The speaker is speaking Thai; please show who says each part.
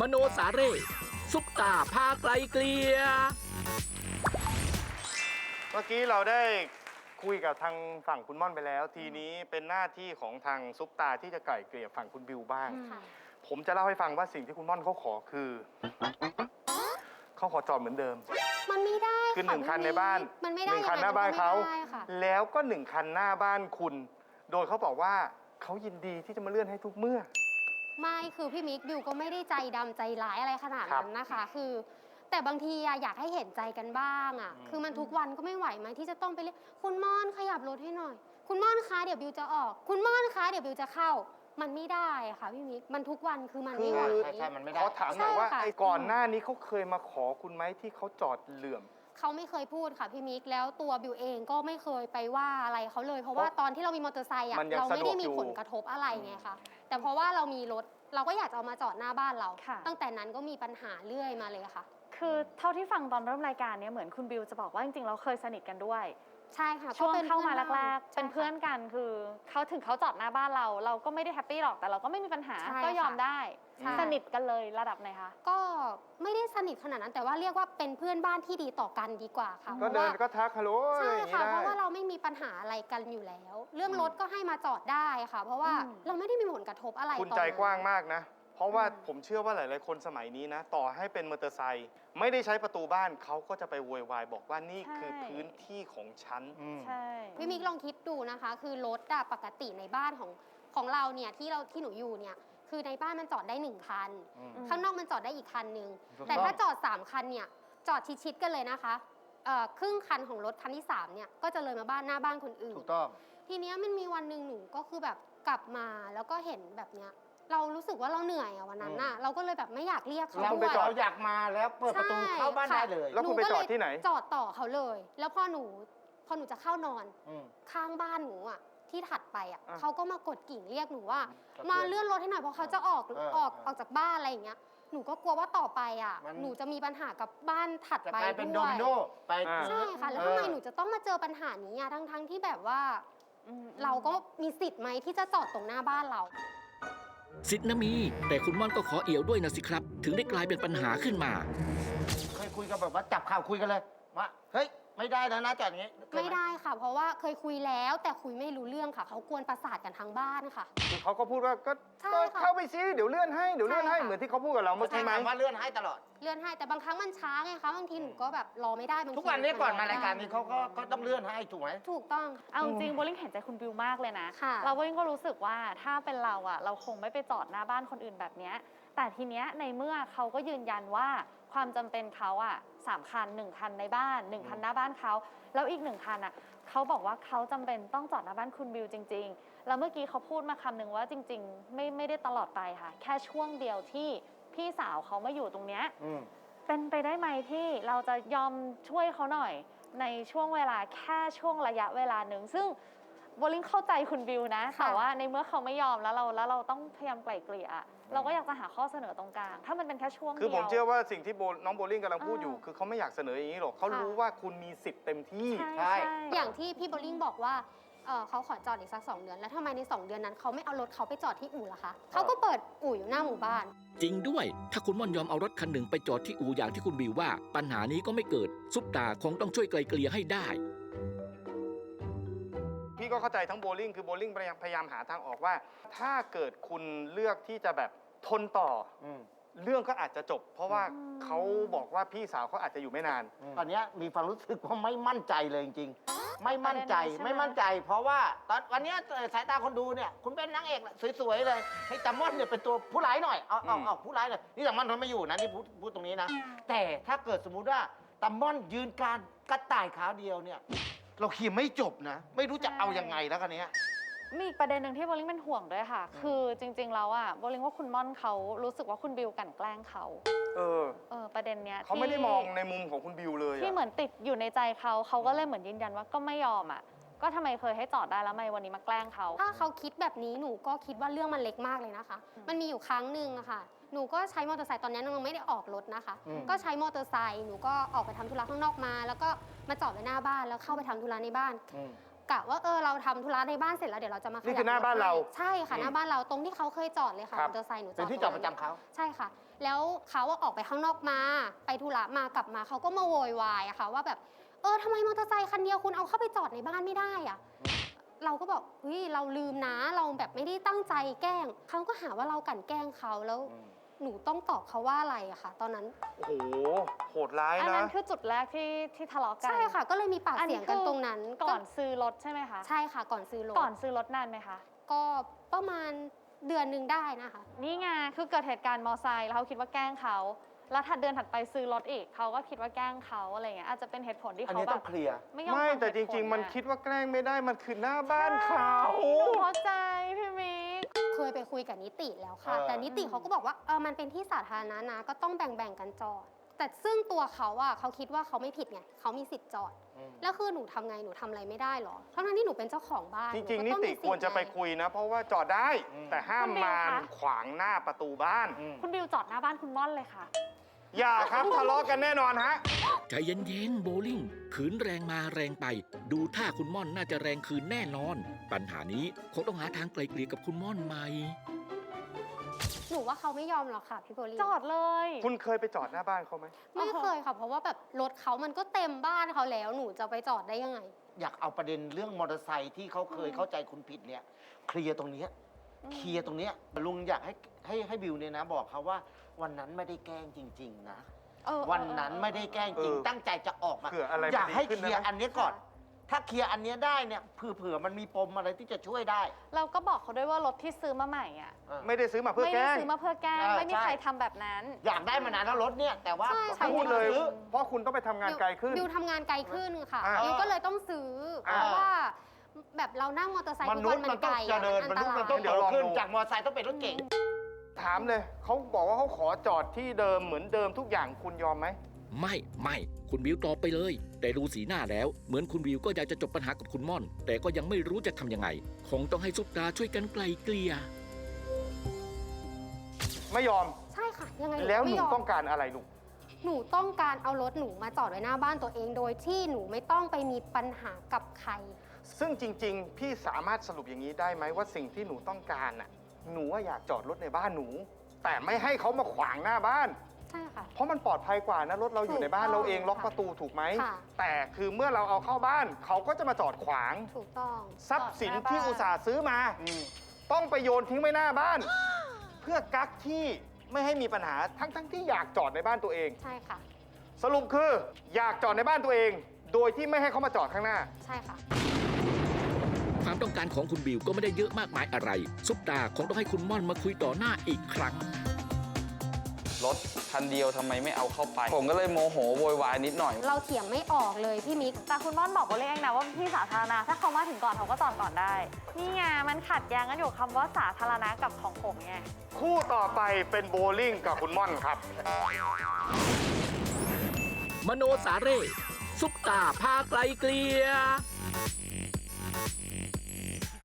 Speaker 1: มโนสาเร่ซุปตาพาไกลเกลีย
Speaker 2: เมื่อกี้เราได้คุยกับทางฝั่งคุณม่อนไปแล้ว ทีนี้เป็นหน้าที่ของทางซุปตาที่จะไกล่เกลี่ยฝั่งคุณบิวบ้าง ผมจะเล่าให้ฟังว่าสิ่งที่คุณม่อนเขาขอคือเขาขอจอดเหมือนเดิม
Speaker 3: มันไม่ได้
Speaker 2: คือ1 คันในบ้าน
Speaker 3: มันไม่ได้
Speaker 2: 1 คันหน้าบ้านเขา
Speaker 3: ค่ะ
Speaker 2: แล้วก็1 คันหน้าบ้านคุณ โดยเขาบอกว่าเขายินดีที่จะมาเลื่อนให้ทุกเมื่อ
Speaker 3: ไม่คือพี่มิกบิวก็ไม่ได้ใจดำใจร้ายอะไรขนาดนั้นนะคะคือแต่บางทีอยากให้เห็นใจกันบ้างคือมันทุกวันก็ไม่ไหวไหมที่จะต้องไปเรียกคุณม่อนขยับรถให้หน่อยคุณม่อนคะเดี๋ยวบิวจะออกคุณม่อนคะเดี๋ยวบิวจะเข้ามันไม่ได้ค่ะพี่มิกมันทุกวันคือมันไม่ไหว
Speaker 4: ใช่มันไม่ได้
Speaker 2: ขอถามหน่อยว่า
Speaker 3: ใช่ค่ะ
Speaker 2: ไอ้ก่อนหน้านี้เขาเคยมาขอคุณไหมที่เขาจอดเหลื่อม
Speaker 3: เขาไม่เคยพูดค่ะพี่มิกแล้วตัวบิวเองก็ไม่เคยไปว่าอะไรเขาเลย เพราะว่าตอนที่เรามีมอเตอร์ไซค์เราไม่ได้มีผลกระทบอะไรไงคะแต่เพราะว่าเรามีรถเราก็อยากจะเอามาจอดหน้าบ้านเราตั้งแต่นั้นก็มีปัญหาเรื่อยมาเลยค่ะ
Speaker 5: คือเท่าที่ฟังตอนเริ่มรายการเนี่ยเหมือนคุณบิวจะบอกว่าจริงๆเราเคยสนิทกันด้วย
Speaker 3: ใช่ค่ะ
Speaker 5: ช่วงเข้ามาแรกๆ
Speaker 3: เป็น
Speaker 5: เป็นเพื่อนกันคือเขาถึงเขาจอดหน้าบ้านเราก็ไม่ได้แฮปปี้หรอกแต่เราก็ไม่มีปัญหาก็ยอมได้สนิทกันเลยระดับไหนคะ
Speaker 3: ก็ไม่ได้สนิทขนาดนั้นแต่ว่าเรียกว่าเป็นเพื่อนบ้านที่ดีต่อกันดีกว่าค่ะ
Speaker 2: ก็เดินก็ทักฮัลโหล
Speaker 3: ใช่ค่ะ
Speaker 2: เพ
Speaker 3: เพราะว่าเราไม่มีปัญหาอะไรกันอยู่แล้ว เรื่องรถก็ให้มาจอดได้ค่ะ เพราะว่าเราไม่ได้มีผลกระทบอะไร
Speaker 2: คุณใจกว้างมากนะ เพราะว่าผมเชื่อว่าหลาย ๆ คนสมัยนี้นะ ต่อให้เป็นมอเตอร์ไซค์ไม่ได้ใช้ประตูบ้านเขาก็จะไปโวยวายบอกว่านี่คือพื้นที่ของฉัน
Speaker 5: ใช่
Speaker 3: พี่มิกลองคิดดูนะคะ คือรถปกติในบ้านของเราเนี่ยที่หนูอยู่เนี่ยคือในบ้านมันจอดได้1 คันข้างนอกมันจอดได้อีกคันนึงแต่ถ้าจอด3 คันเนี่ยจอดชิดๆกันเลยนะคะครึ่งคันของรถคันที่3เนี่ยก็จะเลยมาหน้าบ้านคนอื่น
Speaker 4: ถูกต้อง
Speaker 3: ทีเนี้ยมันมีวันหนึ่งหนูก็คือแบบกลับมาแล้วก็เห็นแบบเนี้ยเรารู้สึกว่าเราเหนื่อยวันนั้นน่ะเราก็เลยแบบไม่อยากเรียกเขาด้วย
Speaker 4: เราอยากมาแล้วเปิดประตูเข้าบ้านได้เลย
Speaker 2: แล้วคุณไปจอดที่ไหน
Speaker 3: จอดต่อเขาเลย แล้วพอหนูจะเข้านอนข้างบ้านหนูที่ถัดไปเขาก็มากดกิ่งเรียกหนูว่ามาเลื่อนรถให้หน่อยเพราะเขาจะออกจากบ้านอะไรอย่างเงี้ยหนูก็กลัวว่าต่อไปหนูจะมีปัญหากับบ้านถัดไปด้วย
Speaker 4: เป็นโดมิโนไป
Speaker 3: ใช่ค่ะแล้วทำไมหนูจะต้องมาเจอปัญหานี้ทั้งที่แบบว่าเราก็มีสิทธิ์ไหมที่จะจอดตรงหน้าบ้านเรา
Speaker 1: สิทธิ์นะมีแต่คุณม่อนก็ขอเอี่ยวด้วยนะสิครับถึงได้กลายเป็นปัญหาขึ้นมา
Speaker 4: เคยคุยกันแบบว่าจับข่าวคุยกันเลยว่าเฮ้ยไม่ได้นะจอดอย่างนี้
Speaker 3: ไม่ได้ค่ะเพราะว่าเคยคุยแล้วแต่คุยไม่รู้เรื่องค่ะเขากวนประสาทกันทั้งบ้านค่ะ
Speaker 2: คือเขาก็พูดว่าก็เข้าไปซิเดี๋ยวเลื่อนให้เหมือนที่เขาพูดกับเราเมื่อกี้ไหม
Speaker 4: ว่าเลื่อนให้ตลอด
Speaker 3: เลื่อนให้แต่บางครั้งมันช้าไงคะบางทีหนูก็แบบรอไม่ได้บางที
Speaker 4: ทุกวันนี้ก่อนมารายการนี้เขาก็ต้องเลื่อนให้ถูกไหม
Speaker 3: ถูกต้อง
Speaker 5: เอาจริงโบลิ่งเห็นใจคุณบิวมากเลยนะเราโบลิ่งก็รู้สึกว่าถ้าเป็นเราคงไม่ไปจอดหน้าบ้านคนอื่นแบบนี้แต่ทีเนี้ยในเมื่อเขาก็ยืนยันว่าความจำเป็นเขา3 คัน1 คันในบ้าน1 คันหน้าบ้านเขาแล้วอีก1 คันเขาบอกว่าเขาจำเป็นต้องจอดหน้าบ้านคุณบิวจริงๆแล้วเมื่อกี้เขาพูดมาคำหนึ่งว่าจริงๆไม่ได้ตลอดไปค่ะแค่ช่วงเดียวที่พี่สาวเขามาอยู่ตรงเนี้ยเป็นไปได้ไหมที่เราจะยอมช่วยเขาหน่อยในช่วงเวลาแค่ช่วงระยะเวลาหนึ่งซึ่งโบลิ่งเข้าใจคุณบิวนะแต่ว่าในเมื่อเขาไม่ยอมแล้วเราต้องพยายามไกล่เกลี่ยเราก็อยากจะหาข้อเสนอตรงกลางถ้ามันเป็นแค่ช่วงเดียว
Speaker 2: คือผมเชื่อว่าสิ่งที่น้องโบลิ่งกำลังพูดอยู่คือเขาไม่อยากเสนออย่างนี้หรอกเขารู้ว่าคุณมีสิทธิ์เต็มที่
Speaker 5: ใช่
Speaker 3: อย่างที่พี่โบลิ่งบอกว่าเขาขอจอดอีกสัก2 เดือนแล้วทำไมใน2 เดือนนั้นเขาไม่เอารถเขาไปจอดที่อู่ล่ะคะเขาก็เปิดอู่อยู่หน้าหมู่บ้าน
Speaker 1: จริงด้วยถ้าคุณม่อนยอมเอารถคันหนึ่งไปจอดที่อู่อย่างที่คุณบิวว่าปัญหานี้ก็ไม่เกิดซุปตาคงต้องช่วยไกลเกลี่ยให้ได้
Speaker 2: พี่ก็เข้าใจทั้งโบลิ่งคือโบลิ่งพยายามหาทางออกว่าถ้าเกิดคุณเลือกที่จะแบบทนต่อเรื่องก็อาจจะจบเพราะว่าเขาบอกว่าพี่สาวเขาอาจจะอยู่ไม่นาน
Speaker 4: ตอนนี้มีความรู้สึกว่าไม่มั่นใจเลยจริงๆไม่มั่นใจเพราราะว่าตอนวันนี้สายตาคนดูเนี่ยคุณเป็นนางเอกสวยๆเลยให้ตามอนเนี่ยเป็นตัวผู้ร้ายหน่อยเอาผู้ร้ายเลยนี่ตามอนทนไม่อยู่นะนี่พูดตรงนี้นะแต่ถ้าเกิดสมมุติว่าตามอนยืนการกระต่ายขาเดียวเนี่ยเราเคลียร์ไม่จบนะไม่รู้จะเอายังไงแล้วกันเนี้ย
Speaker 5: มีอีกประเด็นหนึ่งที่โบลิ่งเป็นห่วงด้วยค่ะคือจริงๆแล้วโบลิ่งว่าคุณม่อนเขารู้สึกว่าคุณบิวกลั่นแกล้งเขาประเด็นเนี้ย
Speaker 2: เขาไม่ได้มองในมุมของคุณบิวเลย
Speaker 5: ที่เหมือนติดอยู่ในใจเขาก็เลยเหมือนยืนยันว่าก็ไม่ยอมก็ทำไมเคยให้จอดได้แล้วทำไมวันนี้มาแกล้งเขา
Speaker 3: ถ้าเขาคิดแบบนี้หนูก็คิดว่าเรื่องมันเล็กมากเลยนะคะมันมีอยู่ครั้งหนึ่งอะค่ะหนูก็ใช้มอเตอร์ไซค์ตอนนี้ยังไม่ได้ออกรถนะคะก็ใช้มอเตอร์ไซค์หนูก็ออกไปทำธุระข้างนอกมาแล้วก็มาจอดไว้หน้าบ้านแล้วเข้าไปทำธุระในบ้านกะว่าเราทำธุระในบ้านเสร็จแล้วเดี๋ยวเราจะมาขยับ
Speaker 2: นี่คือหน้าบ้านเรา
Speaker 3: ใช่ค่ะหน้าบ้านเราตรงที่เขาเคยจอดเลยค่ะ
Speaker 2: ครั
Speaker 3: ม
Speaker 2: บ
Speaker 3: อเตอร์ไซค์หนูจอด
Speaker 4: เป็นที่จอดประจำเขา
Speaker 3: ใช่ค่ะ แล้วเขาออกไปข้างนอกมาไปธุระมากลับมาเขาก็มาโวยวายอะค่ะว่าแบบทำไมมอเตอร์ไซค์คันเดียวคุณเอาเข้าไปจอดในบ้านไม่ได้อะเราก็บอกเฮ้ยเราลืมนะเราแบบไม่ได้ตั้งใจแกล้งเขาก็หาว่าเรากลั่นแกล้งเขาแล้วหนูต้องตอบเขาว่าอะไรอะค่ะตอนนั้น
Speaker 2: โอ้โหโหดร้าย
Speaker 5: อัน
Speaker 2: นะ
Speaker 5: นั้นคือจุดแรกที่ทะเลาะกัน
Speaker 3: ใช่ค่ะ ก็เลยมีปากเสียงกันตรงนั้น
Speaker 5: ก่อนซื้อรถใช่ไหมคะ
Speaker 3: ใช่ค่ะก่อนซื้อรถ
Speaker 5: ก่อนซื้อรถนานไหมคะ
Speaker 3: ก็ประมาณเดือนหนึ่งได้นะคะ
Speaker 5: นี่ไงคือเกิดเหตุการณ์มอไซค์แล้วเขาคิดว่าแกล้งเขาแล้วถัดเดือนถัดไปซื้อรถอีกเขาก็คิดว่าแกล้งเขาอะไรเงี้ยอาจจะเป็นเหตุผลที่
Speaker 4: อัน
Speaker 5: เขา
Speaker 4: นี้
Speaker 5: แบ
Speaker 4: ต้อบ งเคลียร์
Speaker 5: ไม่ยอม
Speaker 2: ไม่
Speaker 5: ฟัง
Speaker 2: แต่จ
Speaker 5: เหตุผล
Speaker 2: ริง ๆ มัน
Speaker 5: น่ะ
Speaker 2: คิดว่าแกล้งไม่ได้มันคือหน้าบ้านเขา
Speaker 5: หนูเข้าใจพี่มิก
Speaker 3: เคยไปคุยกับนิติแล้วค่ะ
Speaker 4: เออ
Speaker 3: แต่นิติเขาก็บอกว่ามันเป็นที่สาธารณะนะก็ต้องแบ่งกันจอด แต่ซึ่งตัวเขาอะเขาคิดว่าเขาไม่ผิดไงเขามีสิทธิ์จอด แล้วคือหนูทำไงหนูทำอะไรไม่ได้หรอทั้งที่หนูเป็นเจ้าของบ้าน
Speaker 2: จริง ๆ
Speaker 3: ห
Speaker 2: นิ
Speaker 3: ก็ต้อง
Speaker 2: ติ
Speaker 3: มีสิท
Speaker 2: ควรจะไป
Speaker 3: ง
Speaker 2: คุยนะ เพราะว่าจอดได้ แต่ห้ามมาขวางหน้าประตูบ้าน
Speaker 5: คุณบิวจอดหน้าบ้านคุณม่อนเลยค่ะ
Speaker 2: อย่าครับทะเลาะกันแน่นอนฮะ
Speaker 1: ใจเย็นๆโบลิ่งขืนแรงมาแรงไป ดูท่าคุณม่อนน่าจะแรงคืนแน่นอน ปัญหานี้คงต้องหาทางไกลเกลี่ยกับคุณม่อนใหม่
Speaker 3: หนูว่าเขาไม่ยอมหรอกค่ะพี่โบลี่
Speaker 5: จอดเลย
Speaker 2: คุณเคยไปจอดหน้าบ้านเขาไหม
Speaker 3: ไม่เคยค่ะเพราะว่าแบบรถเขามันก็เต็มบ้านเขาแล้วหนูจะไปจอดได้ยังไง
Speaker 4: อยากเอาประเด็นเรื่องมอเตอร์ไซค์ที่เขาเคยเข้าใจคุณผิดเนี่ยเคลียร์ตรงเนี้ยเคลียร์ตรงเนี้ยลุงอยากให้บิวเนี่ยนะบอกเขาว่าวันนั้นไม่ได้แกล้งจริง ๆ นะ วันนั้นไม่ได้แกล้งจริง ตั้งใจจะออกมา
Speaker 2: เผื่ออะไร
Speaker 4: อยากให้
Speaker 2: มันดีขึ้น
Speaker 4: เคลียร์
Speaker 2: นะ
Speaker 4: อันเนี้ยก่อน ถ้าเคลียร์อันเนี้ยได้เนี่ยเผื่อมันมีปมอะไรที่จะช่วยได้
Speaker 5: เราก็บอกเขาด้วยว่ารถที่ซื้อมาใหม่อ่ะ
Speaker 2: ไม่ได้ซื้อมาเพื่อ
Speaker 5: ไม่
Speaker 2: แก
Speaker 5: ได้
Speaker 2: ล้ง
Speaker 5: ซื้อมาเพื่อแกล้ง
Speaker 4: ใช่
Speaker 5: ไม่มี
Speaker 4: ใช่
Speaker 5: ใครทำแบบนั้น
Speaker 4: อยากได้มานานแล้วรถเนี่ยแต่ว่า
Speaker 3: ใช่ค่ะ
Speaker 2: พูดเลย
Speaker 4: ซื้อ
Speaker 2: เพราะคุณต้องไปทำงานไกลขึ้น
Speaker 3: บิวทำงานไกลขึ้นค่ะ
Speaker 2: อ่า
Speaker 3: บิวก็เลยต้องซื้อเพราะว่าแบบเรานั่งมอเตอร์ไซค์
Speaker 4: ม
Speaker 3: ทุก
Speaker 4: นุ
Speaker 3: วั
Speaker 4: ษ
Speaker 3: น
Speaker 4: ย์
Speaker 3: มั
Speaker 4: มัน น
Speaker 3: ไก
Speaker 4: ต้อ
Speaker 3: ล
Speaker 4: งเจริญ
Speaker 3: อั
Speaker 4: ม
Speaker 3: น
Speaker 4: นุ
Speaker 3: ต
Speaker 4: ษย์มัน
Speaker 3: รา
Speaker 4: ต้อง
Speaker 3: ย
Speaker 2: เดี๋ยว
Speaker 4: โต
Speaker 2: ลอง
Speaker 4: ขึ้น
Speaker 2: ดู
Speaker 4: จากมอเตอร์ไซค์ต้องเป็นรถเก๋ง
Speaker 2: ถามเลยเขาบอกว่าเขาขอจอดที่เดิมเหมือนเดิมทุกอย่างคุณยอมไหม
Speaker 1: ไม่คุณวิวตอบไปเลย แต่ดูสีหน้าแล้วเหมือนคุณวิวก็อยากจะจบปัญหากับคุณม่อน แต่ก็ยังไม่รู้จะทำยังไง คงต้องให้ซุปตาช่วยกันไกลเกลี่ย
Speaker 2: ไม่ยอม
Speaker 3: ใช่ค่ะยังไง
Speaker 2: แล้วห
Speaker 3: ไม่
Speaker 2: นู
Speaker 3: ยอม
Speaker 2: ต้องการอะไรลูก
Speaker 3: หนูต้องการเอารถหนูมาจอดไว้หน้าบ้านตัวเองโดยที่หนูไม่ต้องไปมีปัญหากับใคร
Speaker 2: ซึ่งจริง ๆ พี่สามารถสรุปอย่างนี้ได้ไหมว่าสิ่งที่หนูต้องการน่ะหนูว่าอยากจอดรถในบ้านหนู แต่ไม่ให้เขามาขวางหน้าบ้าน
Speaker 3: ใช่ค่ะ
Speaker 2: เพราะมันปลอดภัยกว่านะรถเราอยู่ในบ้าน
Speaker 3: ถูกต้อง
Speaker 2: เราเองล็อกประตูถูกไหม
Speaker 3: ค่ะ
Speaker 2: แต่คือเมื่อเราเอาเข้าบ้าน เขาก็จะมาจอดขวาง
Speaker 3: ถูกต้อง
Speaker 2: ทรัพย์สินที่
Speaker 5: จอดหน้าบ้าน
Speaker 2: อุตส่าห์ซื้อมา ต้องไปโยนทิ้งไว้หน้าบ้าน เพื่อกักที่ไม่ให้มีปัญหาทั้งที่อยากจอดในบ้านตัวเอง
Speaker 3: ใช่ค่ะ
Speaker 2: สรุปคืออยากจอดในบ้านตัวเอง โดยที่ไม่ให้เขามาจอดข้างหน้า
Speaker 3: ใช่ค่ะ
Speaker 1: ความต้องการของคุณบิวก็ไม่ได้เยอะมากมายอะไร ซุปตาคงต้องให้คุณม่อนมาคุยต่อหน้าอีกครั้ง
Speaker 6: รถคันเดียวทำไมไม่เอาเข้าไป ผมก็เลยโมโหโวยวายนิดหน่อย
Speaker 3: เราเถียงไม่ออกเลยพี่มิก
Speaker 5: แต่คุณม่อนบอกว่าเองนะว่าที่สาธารณะถ้าเขามาถึงก่อนเขาก็จอดก่อนได้ นี่ไงมันขัดแย้งกันอยู่คำว่าสาธารณะกับของผมไง
Speaker 2: คู่ต่อไปเป็นโบลิ่งกับคุณม่อนครับ
Speaker 1: มโนสาเร่ซุปตาพาไกลเกลี่ย